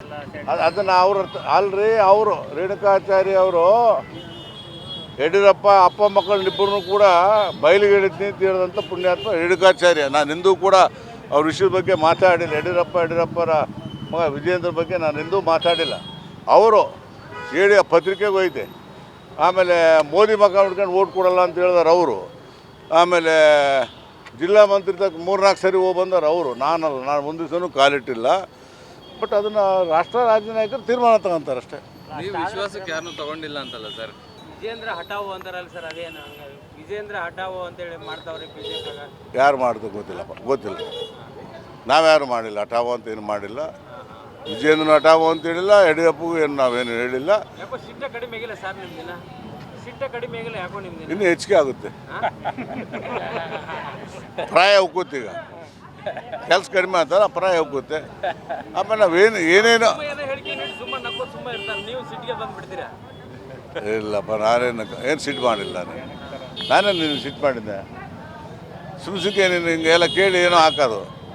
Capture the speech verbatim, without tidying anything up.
ಅದು ಅದನ್ನು ಅವ್ರ ಅಲ್ರಿ ಅವರು ರೇಣುಕಾಚಾರ್ಯ ಅವರು ಯಡಿಯೂರಪ್ಪ ಅಪ್ಪ ಮಕ್ಕಳನ್ನಿಬ್ಬರನ್ನು ಕೂಡ ಬಯಲಿಗೆ ಹೇಳಿದ್ನಿ ಅಂತ ಹೇಳಿದಂಥ ಪುಣ್ಯಾತ್ಮ ರೇಣುಕಾಚಾರ್ಯ. ನಾನು ಎಂದೂ ಕೂಡ ಅವ್ರ ವಿಷಯದ ಬಗ್ಗೆ ಮಾತಾಡಿಲ್ಲ. ಯಡಿಯೂರಪ್ಪ ಯಡಿಯೂರಪ್ಪರ ಮಗ ವಿಜೇಂದ್ರ ಬಗ್ಗೆ ನಾನು ಎಂದೂ ಮಾತಾಡಿಲ್ಲ. ಅವರು ಹೇಳಿ ಪತ್ರಿಕೆಗೆ ಹೋಯ್ತೆ. ಆಮೇಲೆ ಮೋದಿ ಮಗ ಹುಡ್ಕೊಂಡು ಓಟ್ ಕೊಡಲ್ಲ ಅಂತ ಹೇಳಿದಾರೆ ಅವರು. ಆಮೇಲೆ ಜಿಲ್ಲಾ ಮಂತ್ರಿ ತಕ್ಕ ಮೂರ್ನಾಲ್ಕು ಸರಿ ಹೋಗಿ ಬಂದಾರೆ ಅವರು. ನಾನಲ್ಲ, ನಾನು ಒಂದು ದಿವಸನೂ ಕಾಲಿಟ್ಟಿಲ್ಲ. ಬಟ್ ಅದನ್ನು ರಾಷ್ಟ್ರ ರಾಜ್ಯ ನಾಯಕರು ತೀರ್ಮಾನ ತಗೊಂತಾರೆ ಅಷ್ಟೇ. ನೀವು ವಿಶ್ವಾಸಕ್ಕೆ ಯಾರನ್ನೂ ತಗೊಂಡಿಲ್ಲ ಅಂತಲ್ಲ ಸರ್? ವಿಜೇಂದ್ರ ಹಠಾವು ಅಂತಾರಲ್ಲ ಸರ್, ಅದೇನು ವಿಜೇಂದ್ರ ಹಠಾವು ಅಂತೇಳಿ ಮಾಡ್ತಾವ್ರೆ ಬಿಜೆಪಿಯಾಗ? ಯಾರು ಮಾಡಿದ್ರು ಗೊತ್ತಿಲ್ಲಪ್ಪ, ಗೊತ್ತಿಲ್ಲ. ನಾವ್ಯಾರು ಮಾಡಿಲ್ಲ, ಹಠಾವು ಅಂತ ಏನು ಮಾಡಿಲ್ಲ. ವಿಜೇಂದ್ರನ ಹಠಾವು ಅಂತ ಹೇಳಿಲ್ಲ, ಯಡಿಯೂರಪ್ಪಗೂ ಏನು ನಾವೇನು ಹೇಳಿಲ್ಲ. ಯಾಕೋ ಸಿಟ್ಟ ಕಡಿಮೆ ಆಗಿಲ್ಲ ಸರ್ ನಿಮ್ದಿನ? ಸಿಟ್ಟ ಕಡಿಮೆ ಆಗಿಲ್ಲ ಯಾಕೋ ನಿಮ್ದಿನ? ಇನ್ನೂ ಹೆಚ್ಚಿಗೆ ಆಗುತ್ತೆ, ಪ್ರಾಯ ಉಕ್ಕುತ್ತೆ. ಈಗ ಕೆಲಸ ಕಡಿಮೆ ಆಗ್ತಾರೆ, ಪ್ರಾಯ ಉಕ್ಕುತ್ತೆ. ಆಮೇಲೆ ನಾವೇನು ಏನೇನು ಹೇಳಿಕೆ ನೀಡಿ ಸುಮ್ಮನೆ ನಕ್ಕೋದು ಸುಮ್ಮನೆ ಇರ್ತಾರೆ, ನೀವು ಸಿಟ್ಟಿಗೆ ಬಂದುಬಿಡ್ತೀರಾ? ಇಲ್ಲಪ್ಪ, ನಾನೇನು ಏನು ಸಿಟ್ಟು ಮಾಡಿಲ್ಲ. ನಾನು ನಾನೇ ನೀನು ಸಿಟ್ಟು ಮಾಡಿದ್ದೆ. ಸುಮ್ ಸುಮ್ಮನೆ ನೀನು ಹಿಂಗೆಲ್ಲ ಕೇಳಿ ಏನೋ ಹಾಕೋದು.